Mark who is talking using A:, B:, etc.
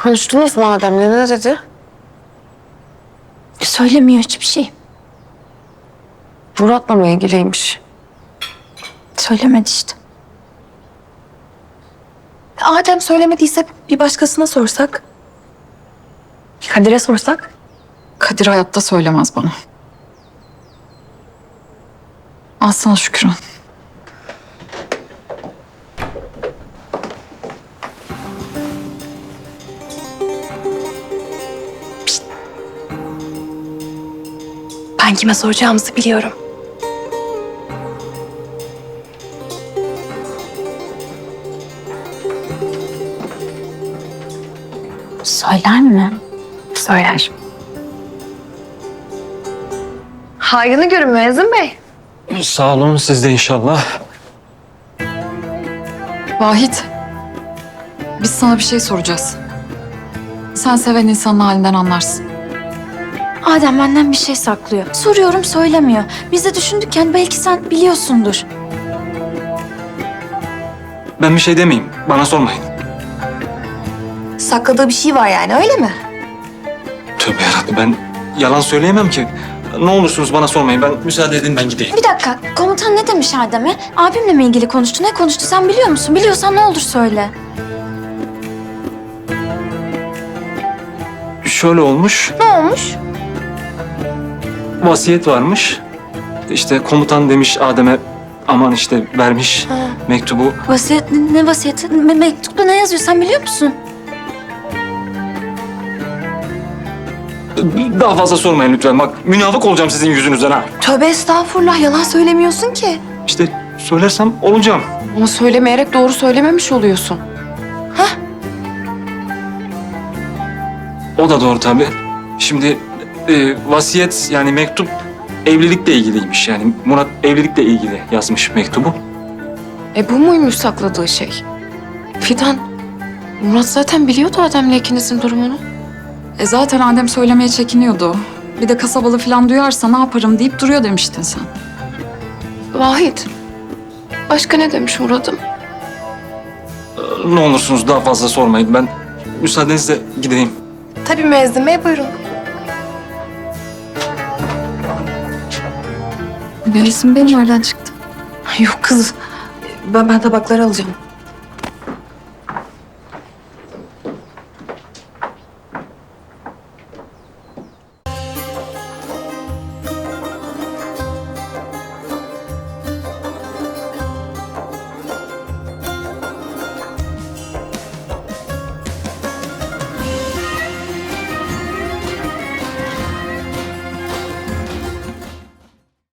A: Konuştunuz mu Adem'le? Ne dedi?
B: Söylemiyor hiçbir şey.
A: Murat'la mı ilgiliymiş?
B: Söylemedi işte. Adem söylemediyse bir başkasına sorsak? Kadir'e sorsak?
C: Kadir hayatta söylemez bana. Alsana Şükran.
B: Ben kime soracağımızı biliyorum. Söyler mi? Söyler.
A: Hayrını görün Müezzin Bey.
D: Sağ olun, siz de inşallah.
C: Vahit. Biz sana bir şey soracağız. Sen seven insanın halinden anlarsın.
B: Adem benden bir şey saklıyor. Soruyorum söylemiyor. Biz de düşündük belki sen biliyorsundur.
D: Ben bir şey demeyeyim, bana sormayın.
B: Sakladığı bir şey var yani öyle mi?
D: Tövbe yarabbim, ben yalan söyleyemem ki. Ne olursunuz bana sormayın, ben müsaade edin ben gideyim.
B: Bir dakika komutan ne demiş Adem'e? Abimle mi ilgili konuştu? Ne konuştu sen biliyor musun? Biliyorsan ne olur söyle.
D: Şöyle olmuş,
B: Ne olmuş?
D: vasiyet varmış. İşte komutan demiş Adem'e, aman işte vermiş mektubu.
B: Vasiyet ne vasiyeti? Mektupta ne yazıyor sen biliyor musun?
D: Daha fazla sormayın lütfen, bak münafık olacağım sizin yüzünüzden ha.
B: Tövbe estağfurullah yalan söylemiyorsun ki.
D: İşte söylersem olacağım.
A: Ama söylemeyerek doğru söylememiş oluyorsun.
D: O da doğru tabii. Şimdi vasiyet yani mektup evlilikle ilgiliymiş yani. Murat evlilikle ilgili yazmış mektubu.
A: Bu muymuş sakladığı şey? Fidan, Murat zaten biliyordu Adem'le ikinizin durumunu.
C: Zaten Adem söylemeye çekiniyordu. Bir de kasabalı falan duyarsa ne yaparım deyip duruyor demiştin sen.
A: Vahit, başka ne demiş Murat'ım?
D: Ne olursunuz daha fazla sormayın. Ben müsaadenizle gideyim.
A: Tabii Müezzin Bey, buyurun.
C: Melis'in benim nereden çıktı?
A: Yok kız, ben tabakları alacağım.